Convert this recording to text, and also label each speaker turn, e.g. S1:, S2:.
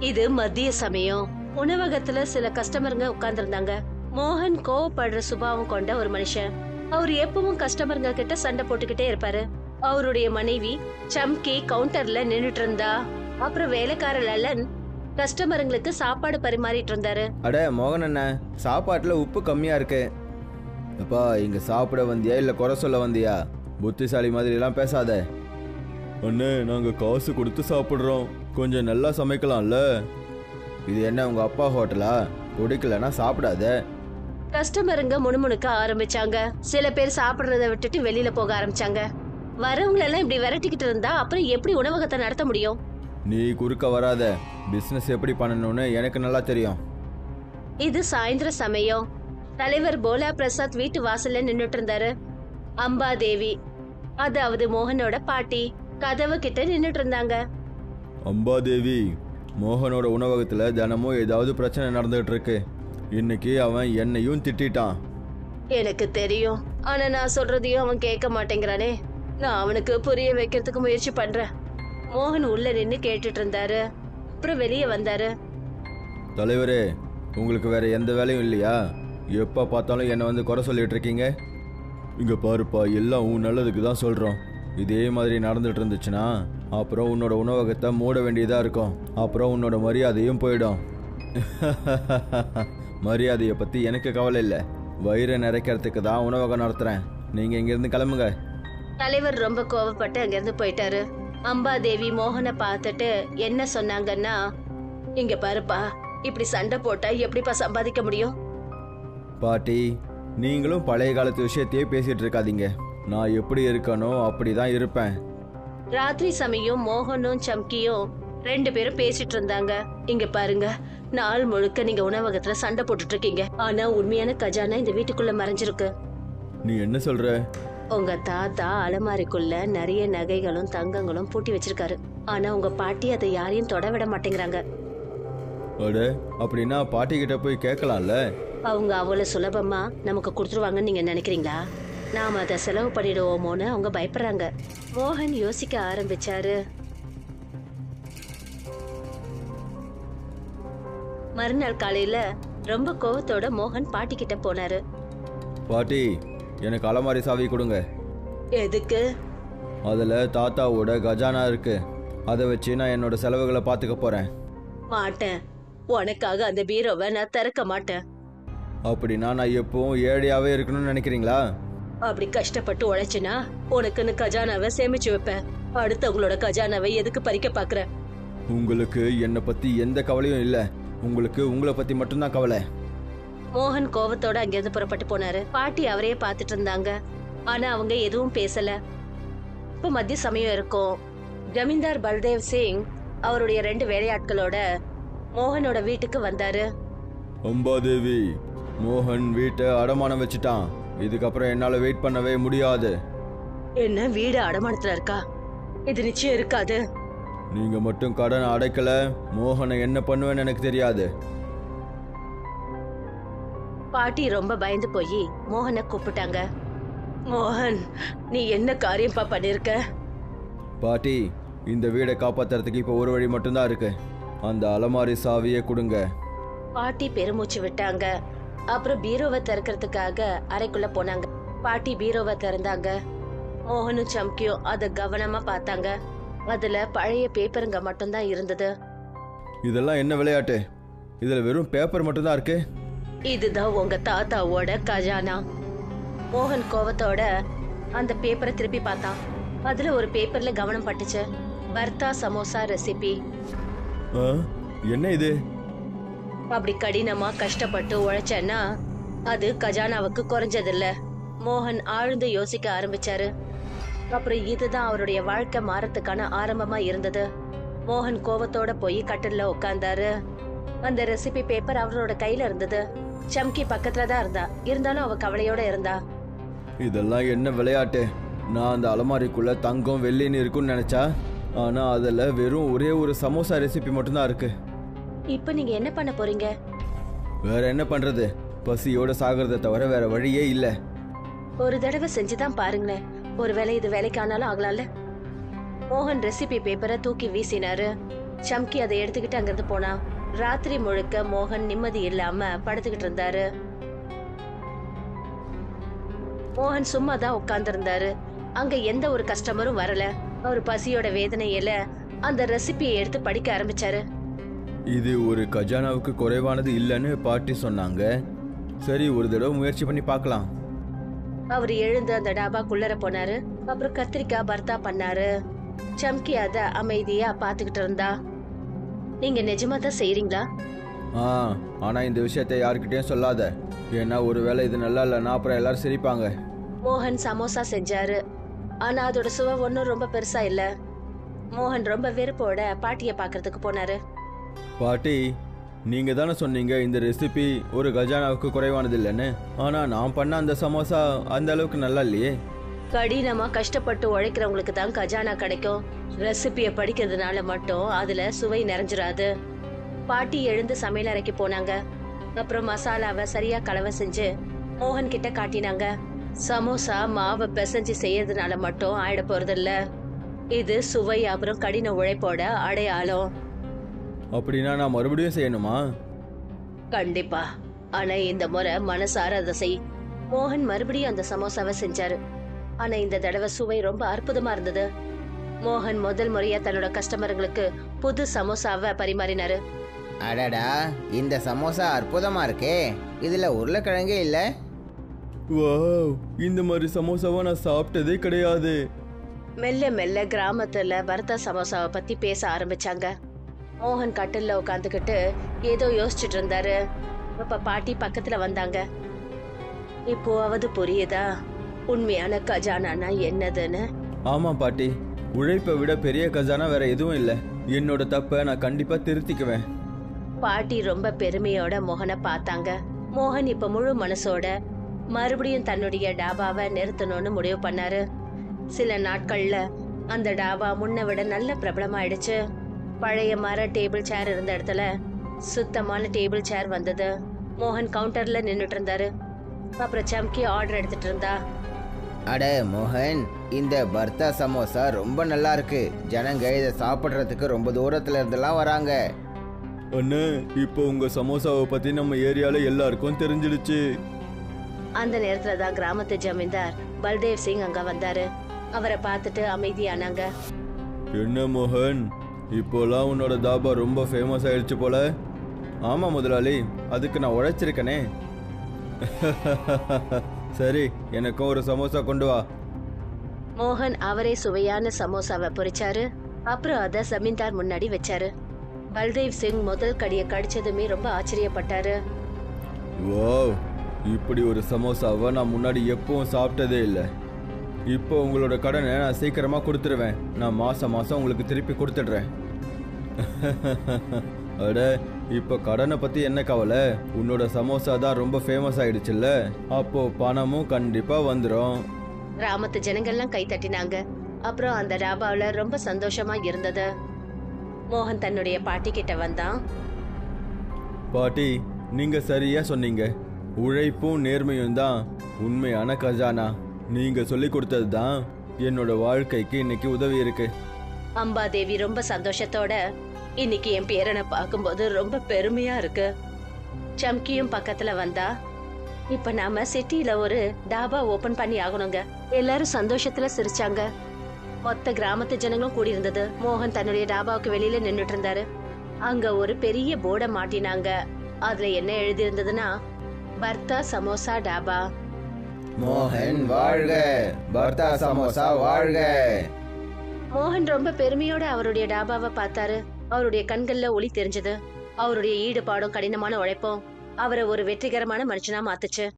S1: இது மதிய சமயம். உணவகத்துல சில கஸ்டமருங்க உட்கார்ந்திருந்தாங்க. மோகன் கோவப்படுற சுபாவம் கொண்ட ஒரு மனுஷன். அவர் எப்பவும் கஸ்டமருங்க கிட்ட சண்டை போட்டுக்கிட்டே இருப்பாரு. அவருடைய மனைவி சம்கி கவுண்டர்ல நின்னுட்டு இருந்தா. அப்புறம் வேலைக்கார லல்லன் கஸ்டமருங்களுக்கு சாப்பாடு பரிமாறிட்டு இருந்தாரு.
S2: அட மோகன் அண்ணன், சாப்பாட்டுல உப்பு கம்மியா இருக்கு. அப்பா, இங்க சாப்பிட வந்தியா இல்ல குறை சொல்ல வந்தியா? புத்திசாலி மாதிரி எல்லாம் பேசாத. அண்ணே, நாங்க காசு கொடுத்து சாப்பிடுறோம், கொஞ்சம் நல்லா சமைக்கலாம்ல. இது என்ன உங்க அப்பா ஹோட்டலா? பிடிக்கலன்னா சாப்பிடாத.
S1: கஸ்டமருங்க முணுமுணுக்க ஆரம்பிச்சாங்க. சில பேர் சாப்பிடுறத விட்டுட்டு வெளியில போக ஆரம்பிச்சாங்க. வரவங்க எல்லாம் இப்படி விரட்டிக்கிட்டு இருந்தா அப்புறம் எப்படி உணவகத்தை நடத்த முடியும்?
S2: நீ குறுக்க வராத. பிசினஸ் எப்படி பண்ணணும்னு எனக்கு நல்லா தெரியும்.
S1: இது சாயந்தர சமயம். தலைவர் போலா பிரசாத் வீட்டு வாசல்ல நின்னுட்டு இருந்தாரு. அம்பாதேவி, அதாவது மோகனோட பாட்டி, கதவு கிட்ட நின்னுட்டு இருந்தாங்க.
S2: அம்பாதேவி, மோகனோட உணவகத்துல தினமும் ஏதாவது பிரச்சனை நடந்துகிட்டு இருக்கு. இன்னைக்கு அவன் என்னையும் திட்டான்.
S1: எனக்கு தெரியும், ஆனா நான் சொல்றதையும் அவன் கேட்க மாட்டேங்கிறானே. நான் அவனுக்கு புரிய வைக்கிறதுக்கு முயற்சி பண்றேன். மோகன் உள்ள நின்னு கேட்டுட்டு இருந்தாரு. அப்புறம் வெளியே வந்தாரு.
S2: தலைவரே, உங்களுக்கு வேற எந்த வேலையும் இல்லையா? எப்ப பார்த்தாலும் என்னை வந்து குறை சொல்லிட்டு இருக்கீங்க. இங்க பாருப்பா, எல்லாம் உன் நல்லதுக்கு தான் சொல்றோம். இதே மாதிரி நடந்துட்டு இருந்துச்சுன்னா அப்புறம் உன்னோட உணவகத்தை மூட வேண்டியதா இருக்கும். அப்புறம் உன்னோட மரியாதையும் போயிடும். மரியாதையை பத்தி எனக்கு கவலை இல்லை. வயிறை நிறைக்கிறதுக்கு தான் உணவகம் நடத்துறேன். நீங்க இங்கிருந்து கிளம்புங்க.
S1: தலைவர் ரொம்ப கோவப்பட்டு அங்கிருந்து போயிட்டாரு. அம்பாதேவி மோகனை பார்த்துட்டு என்ன சொன்னாங்கன்னா, இங்க பாருப்பா, இப்படி சண்டை போட்டா எப்படிப்பா சம்பாதிக்க முடியும்?
S2: பாட்டி, நீங்களும் பழைய காலத்து விஷயத்தையே பேசிட்டு இருக்காதீங்க. நான் எப்படி இருக்கணும் அப்படிதான் இருப்பேன்.
S1: ராத்திரி சமயம் மோகனும் சம்கியும் ரெண்டு பேரும் பேசிட்டு இருந்தாங்க. இங்க பாருங்க, நாள் முழுக்க நீங்க உணவகத்துல சண்டை போட்டுட்டு இருக்கீங்க. ஆனா உண்மையான கஜானா இந்த வீட்டுக்குள்ள மறைஞ்சிருக்கு.
S2: நீ என்ன சொல்ற?
S1: உங்க தாத்தா அலமாரிக்குள்ள நிறைய நகைகளும் தங்கங்களும் பூட்டி வச்சிருக்காரு. ஆனா உங்க பாட்டி அதை யாரையும் தொட விட மாட்டேங்கிறாங்க.
S2: அட, அப்படின்னா பாட்டி கிட்ட போய் கேட்கலாம்ல.
S1: அவங்க அவ்வளவு சுலபமா நமக்கு கொடுத்துருவாங்கன்னு நீங்க நினைக்கிறீங்களா? நாம அதை செலவு பண்ணிடுவோமோன்னு அவங்க பயப்படுறாங்க. மோகன் யோசிக்க ஆரம்பிச்சாரு. மறுநாள் காலையில ரொம்ப கோவத்தோட மோகன் பாட்டி கிட்ட போனாரு.
S2: பாட்டி, எனக்கு அலமாரி சாவி கொடுங்க.
S1: எதுக்கு?
S2: அதுல தாத்தாவோட கஜானா இருக்கு. அதை வச்சு நான் என்னோட செலவுகளை பார்த்துக்க போறேன்.
S1: மாட்டேன். உனக்காக அந்த பீரோவை நான் திறக்க மாட்டேன்.
S2: அப்படின்னா நான் எப்பவும் ஏழையாவே இருக்கணும்னு நினைக்கிறீங்களா?
S1: அப்படி கஷ்டப்பட்டு உழைச்சினா உனக்குன்னு கஜானாவை சேமிச்சு வைப்பேன். அடுத்தவங்களோட கஜானாவை எதுக்கு பறிக்க பாக்குற?
S2: உங்களுக்கு என்னை பத்தி எந்த கவலையும் இல்ல. உங்களுக்கு உங்களை பத்தி மட்டும்தான் கவலை.
S1: மோகன் கோவத்தோட அங்கிருந்து புறப்பட்டு போனாரு. பாட்டி அவரையே பார்த்துட்டு இருந்தாங்க. ஆனா அவங்க எதுவும் பேசல. இப்ப மத்திய சமயம் இருக்கும். ஜமீன்தார் பல்தேவ் சிங் அவருடைய 2 வேலையாட்களோட மோகனோட வீட்டுக்கு வந்தாரு.
S2: அம்பாதேவி, மோகன் வீட்டை அடமானம் வச்சுட்டான். இதுக்கப்புறம் என்னால வெயிட் பண்ணவே முடியாது.
S1: என்ன, வீடு அடமானத்துல இருக்கா? இது நிச்சயம் இருக்காது.
S2: நீங்க மட்டும் கடன் அடைக்கல, மோகனை என்ன பண்ணுவேன்னு எனக்கு தெரியாது.
S1: பாட்டி ரொம்ப பயந்து போய் மோகனை கூப்பிட்டாங்க. மோகன், நீ என்ன காரியம்பா பண்ணிருக்க?
S2: பாட்டி, இந்த வீடை காப்பாத்துறதுக்கு இப்ப ஒரு வழி மட்டும்தான் இருக்கு. அந்த அலமாரி சாவியை கொடுங்க.
S1: பாட்டி பெருமூச்சு விட்டாங்க. அப்புறம் பீரோவை திறக்கிறதுக்காக அறைக்குள்ள போனாங்க. பாட்டி பீரோவை திறந்தாங்க. மோகனும் சம்கியும் அதை கவனமா பார்த்தாங்க. அதுல பழைய பேப்பருங்க மட்டும்தான் இருந்தது.
S2: இதெல்லாம் என்ன விளையாட்டு? இதுல வெறும் பேப்பர் மட்டும்தான் இருக்கு.
S1: இதுதான் உங்க தாத்தாவோட கஜானா. மோகன் கோவத்தோட அந்த பேப்பரை திருப்பி பார்த்தான். அதுல ஒரு பேப்பர்ல கவனம் பட்டுச்சு. வர்த்தா சமோசா ரெசிபி.
S2: என்ன இது?
S1: அப்படி கடினமா கஷ்டப்பட்டு உழைச்சேன்னா அது கஜானாவுக்கு குறைஞ்சதில்ல. மோகன் ஆழ்ந்து யோசிக்க ஆரம்பிச்சாரு. அப்புறம் இதுதான் அவருடைய வாழ்க்கை மாறத்துக்கான ஆரம்பமா இருந்தது. மோகன் கோவத்தோட போய் கட்டில்ல உட்கார்ந்தாரு. அந்த ரெசிபி பேப்பர் அவரோட கையில இருந்தது. சம்கி பக்கத்துல தான் இருந்தா. இருந்தாலும் அவ கவலையோட இருந்தா.
S2: இதெல்லாம் என்ன விளையாட்டு? நான் அந்த அலமாரிக்குள்ள தங்கம் வெள்ளின்னு இருக்குன்னு நினைச்சா, ஆனா அதுல வெறும் ஒரே ஒரு சமோசா ரெசிபி மட்டும்தான் இருக்கு.
S1: இப்ப நீங்க என்ன பண்ண போறீங்க?
S2: வேற என்ன பண்றது? பசியோட சாகிறத தவிர வேற வழியே இல்ல.
S1: ஒரு தடவை செஞ்சுதான் பாருங்களேன். ஒருவேளை இது வேலைக்கு ஆனாலும் ஆகலாம்ல. மோகன் ரெசிபி பேப்பரை தூக்கி வீசினாரு. சம்கி அதை எடுத்துக்கிட்டு அங்கிருந்து போனான். ராத்திரி முழுக்க மோகன் நிம்மதி இல்லாம படுத்துக்கிட்டு இருந்தாரு. மோகன் சும்மா தான் உட்கார்ந்து இருந்தாரு. அங்க எந்த ஒரு கஸ்டமரும் வரல. அவர் பசியோட வேதனையில அந்த ரெசிபியை எடுத்து படிக்க ஆரம்பிச்சாரு.
S2: இது ஒரு கஜானாவுக்கு குறைவானது இல்லைன்னு பாட்டி சொன்னாங்க. சரி, ஒரு தடவை முயற்சி பண்ணி பார்க்கலாம்.
S1: அவர் எழுந்து அந்த டாபாக்குள்ளர போனாரு. அப்புறம் கத்திரிக்காய் பர்த்தா பண்ணாரு. சம்கி அத அமைதியா பாத்துக்கிட்டு இருந்தா. நீங்க நிஜமா தான் செய்றீங்களா?
S2: ஆனா இந்த விஷயத்தை யாருக்கிட்டையும் சொல்லாத. ஏன்னா ஒருவேளை இது நல்லா இல்லைன்னா அப்புறம் எல்லாரும் சிரிப்பாங்க.
S1: மோகன் சமோசா செஞ்சாரு. ஆனா அதோட சுவை ஒன்னும் ரொம்ப பெருசா இல்ல. மோகன் ரொம்ப வெறுப்போட பாட்டிய பாக்குறதுக்கு போனாரு.
S2: பாட்டி, நீங்க தானே சொன்னீங்க இந்த ரெசிபி ஒரு கஜானாவுக்கு குறைவானது இல்லைன்னு. ஆனா நான் பண்ண அந்த சமோசா அந்த அளவுக்கு நல்லா இல்லையே.
S1: கடினமா கஷ்டப்பட்டு உழைக்கிறவங்களுக்கு தான் கஜானா கிடைக்கும். ரெசிபிய படிக்கிறதுனால மட்டும் அதுல சுவை நிறைஞ்சிராது. பாட்டி எழுந்து சமையல் அறைக்கு போனாங்க. அப்புறம் மசாலாவை சரியா கலவை செஞ்சு மோகன் கிட்ட காட்டினாங்க. சமோசா மாவை பிசைஞ்சு செய்யறதுனால மட்டும் ஆயிட போறது இல்ல. இது சுவை அப்புறம் கடின உழைப்போட அடையாளம்.
S2: அப்படின்னா நான் மறுபடியும் செய்யணுமா?
S1: கண்டிப்பா. ஆனா இந்த முறை மனசார அதை செய். மோகன் மறுபடியும் அந்த சமோசாவை செஞ்சாரு. ஆனா இந்த தடவை சுவை ரொம்ப அற்புதமா இருந்தது. மோகன் முதல் முறையா தன்னோட கஸ்டமர்களுக்கு புது சமோசாவை பரிமாறினாரு.
S3: அடடா, இந்த சமோசா அற்புதமா இருக்கே. இதுல உருளைக்கிழங்கே இல்ல.
S2: வாவ், இந்த மாதிரி சமோசாவை நான் சாப்பிட்டதே கிடையாது.
S1: மெல்ல மெல்ல கிராமத்துல பர்த்தா சமோசாவை பத்தி பேச ஆரம்பிச்சாங்க. மோகன் கட்டில்ல உட்காந்துக்கிட்டு ஏதோ யோசிச்சுட்டு இருந்தாரு. அப்ப பாட்டி பக்கத்துல வந்தாங்க. இப்போவாவது புரியுதா உண்மையான கஜானானா என்னதுன்னு?
S2: ஆமா பாட்டி, உழைப்பை விட பெரிய கஜானா வேற எதுவும் இல்லை. என்னோட தப்பை நான் கண்டிப்பா திருத்திக்குவேன்.
S1: பாட்டி ரொம்ப பெருமையோட மோகனை பார்த்தாங்க. மோகன் இப்ப முழு மனசோட மறுபடியும் தன்னுடைய டாபாவை நிறுத்தணும்னு முடிவு பண்ணாரு. சில நாட்கள்ல அந்த டாபா முன்ன விட நல்ல பிரபலமாயிடுச்சு. பழைய மர டேபிள் சேர் இருந்த இடத்துல சுத்தமான டேபிள் சேர் வந்தது. மோகன் கவுண்டர்ல நின்னுட்டு இருந்தாரு. அப்புறம் சம்கி ஆர்டர் எடுத்துட்டு இருந்தா.
S3: அட மோகன், இந்த பர்த்தா சமோசா ரொம்ப நல்லா இருக்கு. ஜனங்க இதை சாப்பிட்றதுக்கு ரொம்ப தூரத்துல இருந்தெல்லாம் வராங்க.
S2: அண்ணே, இப்போ உங்க சமோசாவை பத்தி நம்ம ஏரியால எல்லாருக்கும் தெரிஞ்சிடுச்சு.
S1: அந்த நேரத்துல தான் கிராமத்து ஜமீன்தார் பல்தேவ் சிங் அங்க வந்தாரு. அவரை பார்த்துட்டு அமைதியானாங்க.
S2: என்ன மோகன், இப்போலாம் உன்னோட தாபா ரொம்ப ஃபேமஸ் ஆயிடுச்சு போல. ஆமா முதலாளி, அதுக்கு நான் உழைச்சிருக்கனே. சரி, எனக்கும் ஒரு சமோசா கொண்டு வா.
S1: மோகன் அவரே சுவையான சமோசாவை பொரிச்சாரு. அப்புறம் அதை ஜமீன்தார் முன்னாடி வச்சாரு. பல்தேவ் சிங் முதல் கடியை கடிச்சதுமே ரொம்ப ஆச்சரியப்பட்டாரு.
S2: வாவ், இப்படி ஒரு சமோசாவை நான் முன்னாடி எப்பவும் சாப்பிட்டதே இல்லை. இப்போ உங்களோட கடனை நான் சீக்கிரமா கொடுத்துருவேன். நான் மாசம் மாசம் உங்களுக்கு திருப்பி கொடுத்துடுறேன். அட, இப்போ கடனை பத்தி என்ன கவலை? உன்னோட சமோசா தான் ரொம்ப ஃபேமஸ் ஆயிடுச்சுல்ல, அப்போ பணமும் கண்டிப்பா வந்துடும்.
S1: கிராமத்து ஜனங்கள்லாம் கை தட்டினாங்க. அப்புறம் அந்த டாபாவில ரொம்ப சந்தோஷமா இருந்தது. மோகன் தன்னுடைய பாட்டி கிட்ட வந்தான்.
S2: பாட்டி, நீங்க சரியா சொன்னீங்க. உழைப்பும் நேர்மையும் தான் உண்மையான கஜானா. நீங்க சொல்லி கொடுத்தது தான் என்னோட வாழ்க்கைக்கு இன்னைக்கு உதவி இருக்கு.
S1: அம்பாதேவி ரொம்ப சந்தோஷத்தோட, இன்னைக்கு என் பேரனை பார்க்கும்போது ரொம்ப பெருமையா இருக்கு. சம்கியும் பக்கத்துல வந்தா. இப்ப நாம சிட்டில ஒரு டாபா ஓபன் பண்ணி ஆகணுங்க. எல்லாரும் சந்தோஷத்துல சிரிச்சாங்க. மொத்த கிராமத்து ஜனங்களும் கூடி இருந்தது. மோகன் தன்னுடைய டாபாவுக்கு வெளியில நின்னுட்டு இருந்தாரு. அங்க ஒரு பெரிய போர்டை மாட்டினாங்க. அதுல என்ன எழுதி இருந்ததுன்னா, பர்த்தா சமோசா டாபா.
S3: மோகன் வாழ்க, பர்த்தா சமோசா வாழ்க.
S1: மோகன் ரொம்ப பெருமையோட அவருடைய டாபாவை பார்த்தாரு. அவருடைய கண்கள்ல ஒளி தெரிஞ்சது. அவருடைய ஈடுபாடும் கடினமான உழைப்பும் அவரை ஒரு வெற்றிகரமான மனுஷனா மாத்துச்சு.